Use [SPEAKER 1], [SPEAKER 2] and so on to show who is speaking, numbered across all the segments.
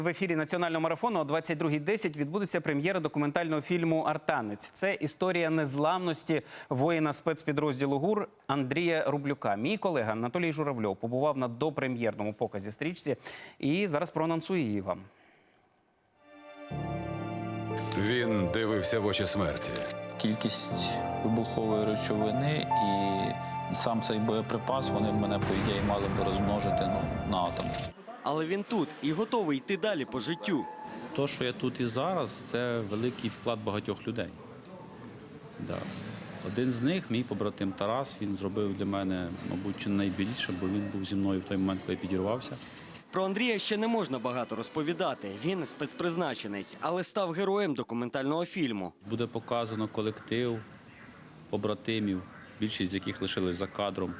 [SPEAKER 1] В ефірі національного марафону о 22:10 відбудеться прем'єра документального фільму «Артанець». Це історія незламності воїна спецпідрозділу ГУР Андрія Рублюка. Мій колега Анатолій Журавльов побував на допрем'єрному показі стрічці і зараз проанонсує її вам.
[SPEAKER 2] Він дивився в очі смерті.
[SPEAKER 3] Кількість вибухової речовини і сам цей боєприпас, вони мене, по ідеї, мали б розмножити на атом.
[SPEAKER 4] Але він тут і готовий йти далі по життю.
[SPEAKER 5] То, що я тут і зараз, це великий вклад багатьох людей. Да. Один з них, мій побратим Тарас, він зробив для мене, мабуть, чи найбільше, бо він був зі мною в той момент, коли я підірвався.
[SPEAKER 4] Про Андрія ще не можна багато розповідати. Він спецпризначенець, але став героєм документального фільму.
[SPEAKER 5] Буде показано колектив побратимів, більшість з яких лишились за кадром,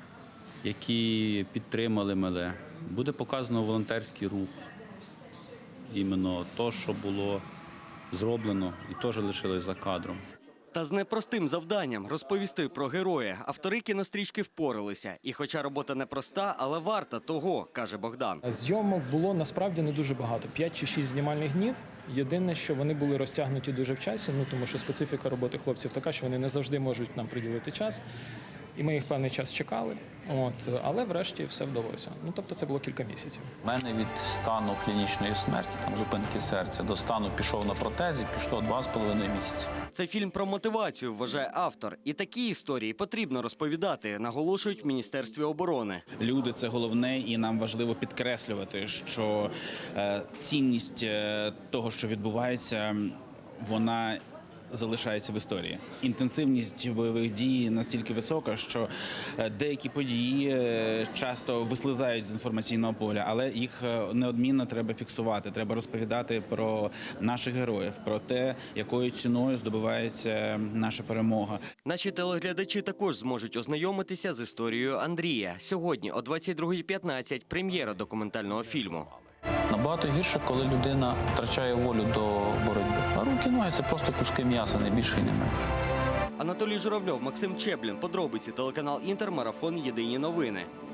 [SPEAKER 5] які підтримали мене. Буде показано волонтерський рух, іменно те, що було зроблено і теж лишилось за кадром.
[SPEAKER 4] Та з непростим завданням розповісти про героя автори кінострічки впоралися. І хоча робота непроста, але варта того, каже Богдан.
[SPEAKER 6] Зйомок було насправді не дуже багато, 5 чи 6 знімальних днів. Єдине, що вони були розтягнуті дуже в часі, тому що специфіка роботи хлопців така, що вони не завжди можуть нам приділити час. І ми їх певний час чекали, але врешті все вдалося. Тобто це було кілька місяців.
[SPEAKER 3] У мене від стану клінічної смерті, там зупинки серця, до стану пішов на протезі, пішло 2,5 місяці.
[SPEAKER 4] Це фільм про мотивацію, вважає автор. І такі історії потрібно розповідати, наголошують в Міністерстві оборони.
[SPEAKER 7] Люди – це головне, і нам важливо підкреслювати, що цінність того, що відбувається, вона залишається в історії. Інтенсивність бойових дій настільки висока, що деякі події часто вислизають з інформаційного поля, але їх неодмінно треба фіксувати. Треба розповідати про наших героїв, про те, якою ціною здобувається наша перемога.
[SPEAKER 4] Наші телеглядачі також зможуть ознайомитися з історією Андрія. Сьогодні о 22:15 прем'єра документального фільму.
[SPEAKER 3] Набагато гірше, коли людина втрачає волю до боротьби. А руки, ноги – це просто куски м'яса, не більше і не менше.
[SPEAKER 4] Анатолій Журавльов, Максим Чеплін. Подробиці телеканал Інтер, марафон «Єдині новини».